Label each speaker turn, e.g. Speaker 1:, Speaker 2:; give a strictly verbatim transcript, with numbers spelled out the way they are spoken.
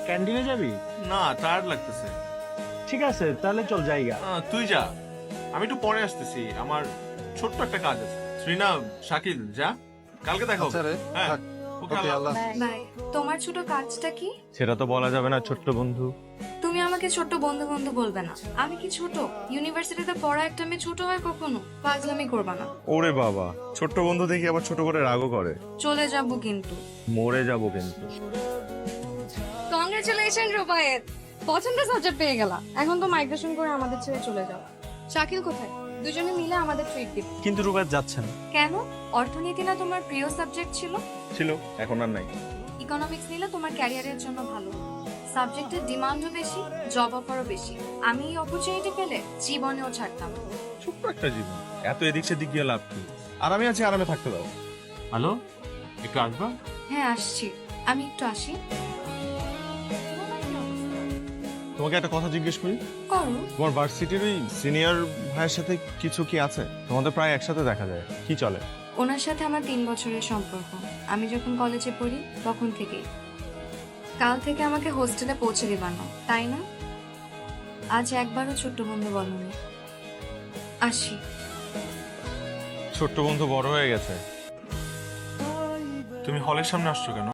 Speaker 1: ক্যান্টিনে যাবি?
Speaker 2: না, টায়ার্ড লাগতেছে।
Speaker 1: ঠিক আছে, তাহলে চল জায়গা।
Speaker 2: আহ, তুই যা, আমি একটু পরে আসতেছি, আমার ছোট্ট একটা কাজ আছে। শ্রীনা, শাকিল, যা, কালকে দেখা হবে।
Speaker 3: আচ্ছা রে,
Speaker 2: হ্যাঁ,
Speaker 3: থাক।
Speaker 2: ওকে,
Speaker 3: ওকে,
Speaker 2: আল্লাহ
Speaker 3: আল্লাহ
Speaker 2: হাফেজ।
Speaker 4: বাই। তোমার ছোট কাজটা কি?
Speaker 1: সেটা তো বলা যাবে না ছোট্ট বন্ধু।
Speaker 4: তুমি আমাকে ছোট বন্ধু বন্ধু বলবে না। আমি কি ছোট? ইউনিভার্সিটিতে পড়া একটা মেয়ে ছোট হয় কখনো? পাগলামি করবা না।
Speaker 1: ওরে বাবা, ছোট্ট বন্ধু দেখি আবার ছোট করে রাগও করে।
Speaker 4: চলে যাবো কিন্তু।
Speaker 1: মরে যাবো কিন্তু।
Speaker 4: কংগ্রেচুলেশন রুবায়েত, পছন্দের সাবজেক্ট পেয়ে গেলা। এখন তো মাইগ্রেশন করে আমাদের ছেড়ে চলে যাও। শাকিল কোথায়? দুজনে মিলে আমাদের ট্রিট দিব।
Speaker 1: কিন্তু রুবাত যাচ্ছে না।
Speaker 4: কেন? অর্থনীতি না তোমার প্রিয় সাবজেক্ট ছিল?
Speaker 1: ছিল, এখন আর নাই।
Speaker 4: ইকোনমিক্স নিলে তোমার ক্যারিয়ারের জন্য ভালো। সাবজেক্টের ডিমান্ডও বেশি, জব অফারও বেশি। আমি এই অপরচুনিটি পেলে জীবনেও ছাড়তাম না।
Speaker 1: ছোট্ট একটা জীবন, এত এদিক সেদিক গিয়ে লাভ কি? আর আমি আছি, আরামে থাকতে দাও। হ্যালো, একটু আসবা?
Speaker 4: হ্যাঁ আসছি, আমি একটু আসি।
Speaker 1: তোমাকে একটা কথা জিজ্ঞেস করি।
Speaker 4: করো।
Speaker 1: তোমার ভার্সিটির ওই সিনিয়র ভাইয়ের সাথে কিছু কি আছে? তোমাদের প্রায় একসাথে দেখা যায়, কি চলে?
Speaker 4: ওনার সাথে আমার তিন বছরের সম্পর্ক। আমি যখন কলেজে পড়ি তখন থেকেই। কাল থেকে আমাকে হোস্টেলে পৌঁছে দিবা না, তাই না? আজ একবারও ছোট্ট বন্ধু বলনি। আসি।
Speaker 1: ছোট্ট বন্ধু বড় হয়ে গেছে।
Speaker 2: তুমি হলের সামনে আসছো কেন?